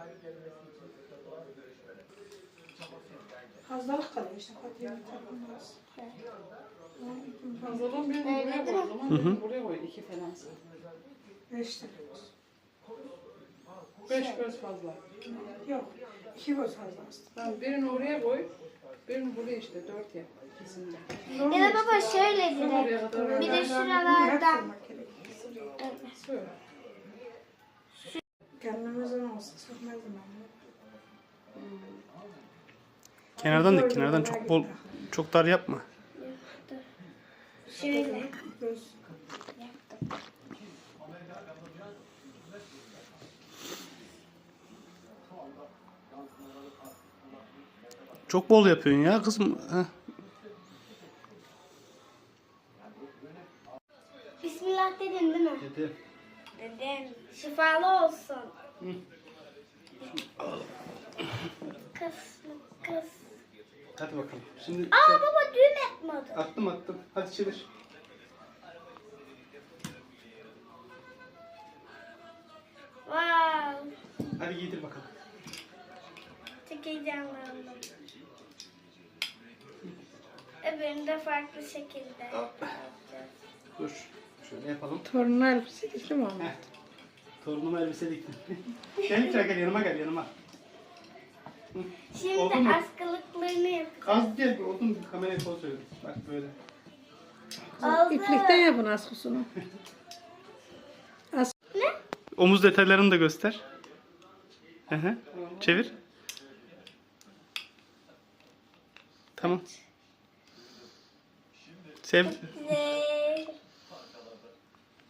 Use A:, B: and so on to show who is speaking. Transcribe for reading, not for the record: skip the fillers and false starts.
A: Fazlalık kalıyor işte. Fatih'in takılmaz.
B: Fazladan birini buraya koy. O zaman birini buraya koy. 2 falan.
A: 5 tane.
B: 5 göz fazla.
A: Yok. 2 göz fazla aslında.
B: Tamam, birini oraya koy. Birini buraya işte 4 yap. İkisinde.
C: Ya da baba şöyle direkt. Bir de şuralardan. Evet.
B: Söyle.
A: Kendimizden olsa sokmazdım ben.
D: Kenardan dik, kenardan çok bol, çok dar yapma.
C: Şöyle.
A: Göz.
D: Çok bol yapıyorsun ya kızım. Heh.
C: Bismillah dedin değil mi?
D: Dedim.
C: Dedim. Şifalı olsun. Kız.
D: Hadi bakalım. Şimdi
C: Aa baba düğüm etmedi.
D: attım. Hadi çevir.
C: Wow.
D: Hadi giydir bakalım.
C: Çok heyecanlandım. Öbürünü de farklı şekilde yapacağız.
D: Dur. Şöyle yapalım.
B: Torunun elbise dikti mi
D: Heh. Torunuma elbise diktim. gel yanıma.
C: Şimdi
D: Oldu mu?
C: askılıklarını yapacağız.
D: Az gel bir odun kameraya poz verin. Bak böyle.
C: Oldu.
B: İplikten yapın askısını.
D: Omuz detaylarını da göster. Hı hı. Çevir. Tamam. Sev.